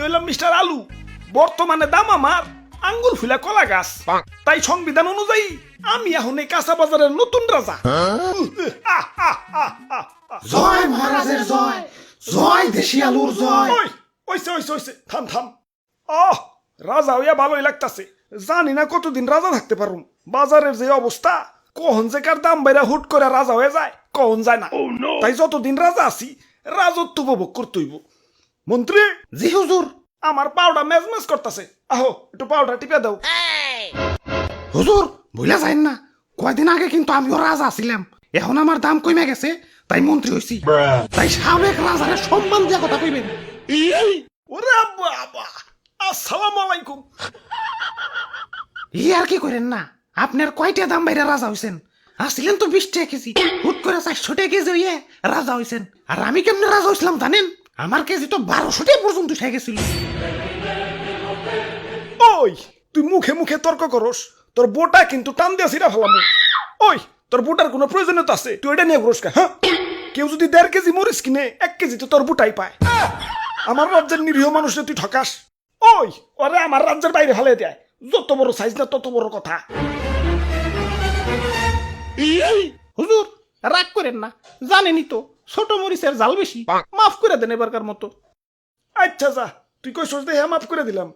হইলাম মিস্টার আলু, বর্তমানে দাম আমার আঙ্গুর ফুলা কলা গাছ। তাই সংবিধান অনুযায়ী আমি এখন এই কাঁচা বাজারের নতুন রাজা। জয় মহারাজের জয়, জয় দেশি আলুর জয়। ওইছে থাম থাম। রাজা হইয়া ভালোই লাগতাছে, জানি না কতদিন রাজা থাকতে পারুম। বাজারের যে অবস্থা, কখন যে কার দাম বাইরা হুট করে রাজা হয়ে যায় কখন যায় না। তাই যতদিন রাজা আছি রাজত্ব উপভোগ করতে হইব। মন্ত্রী। জি হুজুর। আমার পাউডার মেজমেজ করতেছে, আহো একটু পাউডার টিপে দাও। হুজুর ভুলে যাইন না, কয়দিন আগে কিন্তু আমিও রাজা ছিলাম, এখন আমার দাম কমে গেছে তাই মন্ত্রী হইছি। তাই সাবেক রাজারে সম্মান দিয়া কথা কইবেন। ওরে বাবা, আসসালামু আলাইকুম। আর কি করেন না, আপনার কয়টা দাম বাইরে রাজা হইছেন? আসছিলেন তো 20 টাকা কেজি, হুট করে 400 টাকা কেজি হইয়ে রাজা হইছেন। আর আমি কেমনে রাজা হইছিলাম জানেন? আমার কেজি তো 1200 টাকা পর্যন্ত উঠে গেছিল। ওই তুই মুখে মুখে তর্ক করস, তোর বোটা কিন্তু টান দিয়া ছিড়া ফেলাম। ওই তোর বোটার কোনো প্রয়োজনীয়তা আছে? তুই এটা নিয়ে ঘুরস কা? হ্যাঁ, কেউ যদি 1.5 কেজি মরিচ কিনে 1 কেজি তো তোর বোটাই পায়। আমার রাজ্যের নিরীহ মানুষকে তুই ঠকাস। ওই ওরে আমার রাজ্যের বাইরে ফেলে দেয়, যত বড় সাইজ না তত বড় কথা। হুজুর রাগ করেন না, জানেনই তো ছোট মরিচের জাল বেশি, মাফ করে দেন এবারকার মতো। আচ্ছা যা, তুই কই সোচ দেখে মাফ করে দিলাম।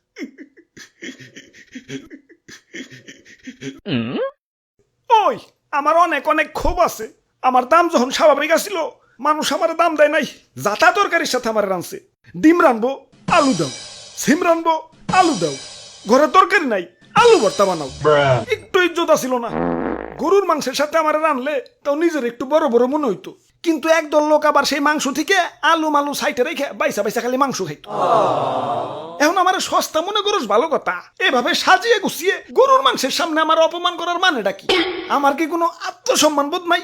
ওই আমার অনেক অনেক ক্ষোভ আছে। আমার দাম যখন স্বাভাবিক আসিল, মানুষ আমার দাম দেয় নাই। যাতা তরকারির সাথে আমার রানছে, ডিম রানবো আলু দাও, সিম রানবো আলু দাও, ঘরে তরকারি নাই আলু ভর্তা বানাও। একটু ইজ্জত ছিল না। গরুর মাংসের সাথে আমার রানলে তাও নিজের একটু বড় বড় মনে হইতো, কিন্তু একদল লোক আবার সেই মাংস থেকে আলু মালু সাইটে রেখে বাইসা বাইসা খালি মাংস খাইতো। এখন আমার সস্তা মনে করস ভালো কথা, এভাবে সাজিয়ে গুছিয়ে গরুর মাংসের সামনে আমার অপমান করার মানেটা কি? আমার কি কোনো আত্মসম্মান বোধ নাই?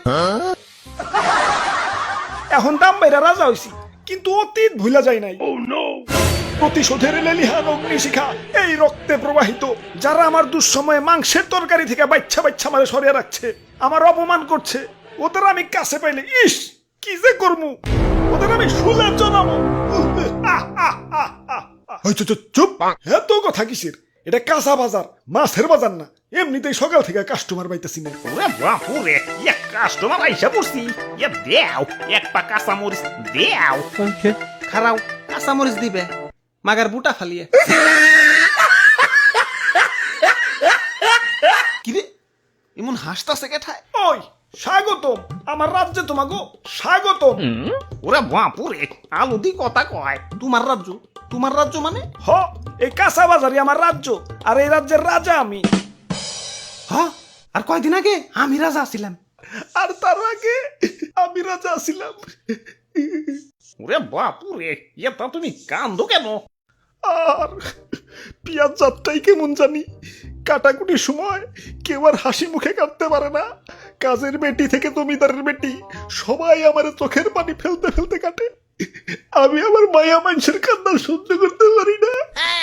এখন দাম বাইরা রাজা হইছি, কিন্তু অতীত ভুলা যায় নাই। প্রতিশোধের লেলিহান অগ্নিশিখা এই রক্তে প্রবাহিত। যারা আমার দুঃসময়ে মাংসের তরকারি থেকে বাচ্চা বাচ্চা মারে সরিয়ে রাখছে, আমার অপমান করছে, ওদের আমি কাছে পাইলে ইস কি যে করমু, ওদের আমি শুলে জানাবো। চুপ, এত কথা কিসের? এটা কাঁচা বাজার, মাছের বাজার না। এমনিতেই সকাল থেকে কাস্টমার পাইতেছি না। ওরে বাপুরে, এক কাস্টমার আইসা পড়ছি। এ দেও এক পা কাঁচা মরিচ দেও। খারাও কাঁচা মরিচ দিবে, মাগার বুটা ফালিয়ে। কিরে এমন হাসতাছে কেঠায়? ওই স্বাগতম আমার রাজ্যে, তোমাগো স্বাগতম। ওরে বাপুরে, আলু দি কথা কয়। তোমার রাজ্য? তোমার রাজ্য মানে? হ, এই কাঁচা বাজারই আমার রাজ্য, আর এই রাজ্যের রাজা আমি। হ্যাঁ, আর কয়দিন আগে আমি রাজা ছিলাম। আর তার আগে আমি রাজা ছিলাম। ওরে বাপুরে, এটা তুমি কান্দো কেন? আর পিয়াজ যাত্রাই কেমন জানি, কাটাকুটির সময় কেউ আর হাসি মুখে কাটতে পারে না। কাজের বেটি থেকে জমিদারের বেটি সবাই আমার চোখের পানি ফেলতে ফেলতে কাটে। আমি আমার মায়া মানুষের কান্না সহ্য করতে পারি না।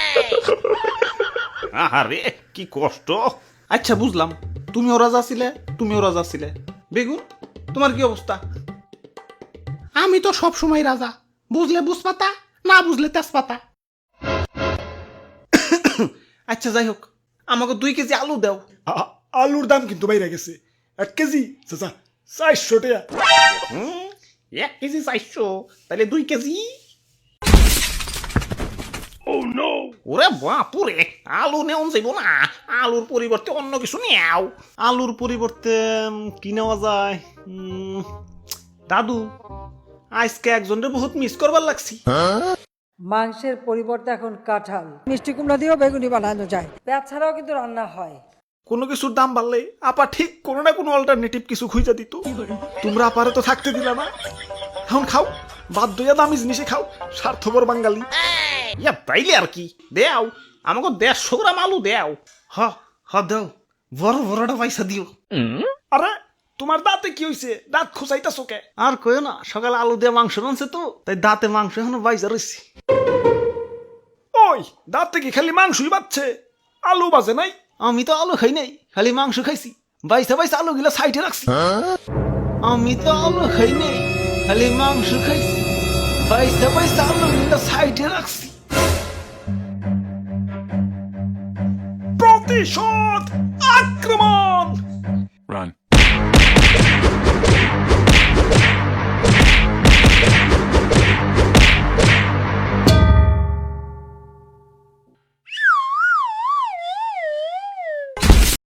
আহারে কি কষ্ট। আচ্ছা বুঝলাম, তুমিও রাজা ছিলে, তুমিও রাজা ছিলে। বেগুন তোমার কি অবস্থা? আমি তো সব সময় রাজা, বুঝলে বুঝপাতা, না বুঝলে তেজপাতা। আচ্ছা যাই হোক, আমাকে 2 কেজি আলু দাও। আলুর দাম কিন্তু বাইরে গেছে। 1 কেজি চাচা 400 টাকা। 1 কেজি 400, তাহলে 2 কেজি। ওরে বাপুরে, আলু নেওয়া যাইব না, আলুর পরিবর্তে অন্য কিছু নেও। আলুর পরিবর্তে কি নেওয়া যায়? দাদু, আজকে একজনের বহুত মিস করবার লাগছি। মাংসের পরিবর্তে এখন কাঁঠাল, মিষ্টি কুমড়া দিয়েও বেগুনি বানানো যায়। পেঁয়াজ ছাড়াও কিন্তু রান্না হয়। কোনো কিছুর দাম বাড়লে আপা ঠিক কোনো না কোনো অল্টারনেটিভ কিছু খুঁজে দিত। তোমরা আপারে তো থাকতে দিলা না। এখন খাও, বাধ্য হইয়া দামি জিনিসে খাও, স্বার্থপর বাঙালি। ইয়া তাইলে আর কি, দেও আমাকে 150 গ্রাম আলু দেও। হ দাও, বড় বড়টা পয়সা দিও। আরে তোমার দাঁতে কি হইছে? দাঁত খুঁচাইতাছো কে? আর কইও না, সকালে আলু দিয়ে মাংস রানছে তো, তাই দাঁতে মাংস এখনো বাইজা রয়েছে। ওই দাঁতে কি খালি মাংসই বাচ্ছে, আলু বাজে নাই? আমি তো আলু খাই নাই, খালি মাংস খাইছি। বাইসা বাইসা আলু গিলা সাইডে রাখছি। আমি তো আলু খাই নাই, খালি মাংস খাইছি। বাইসা বাইসা আলু গিলা সাইডে রাখছি। প্রতিশোধ আক্রমণ।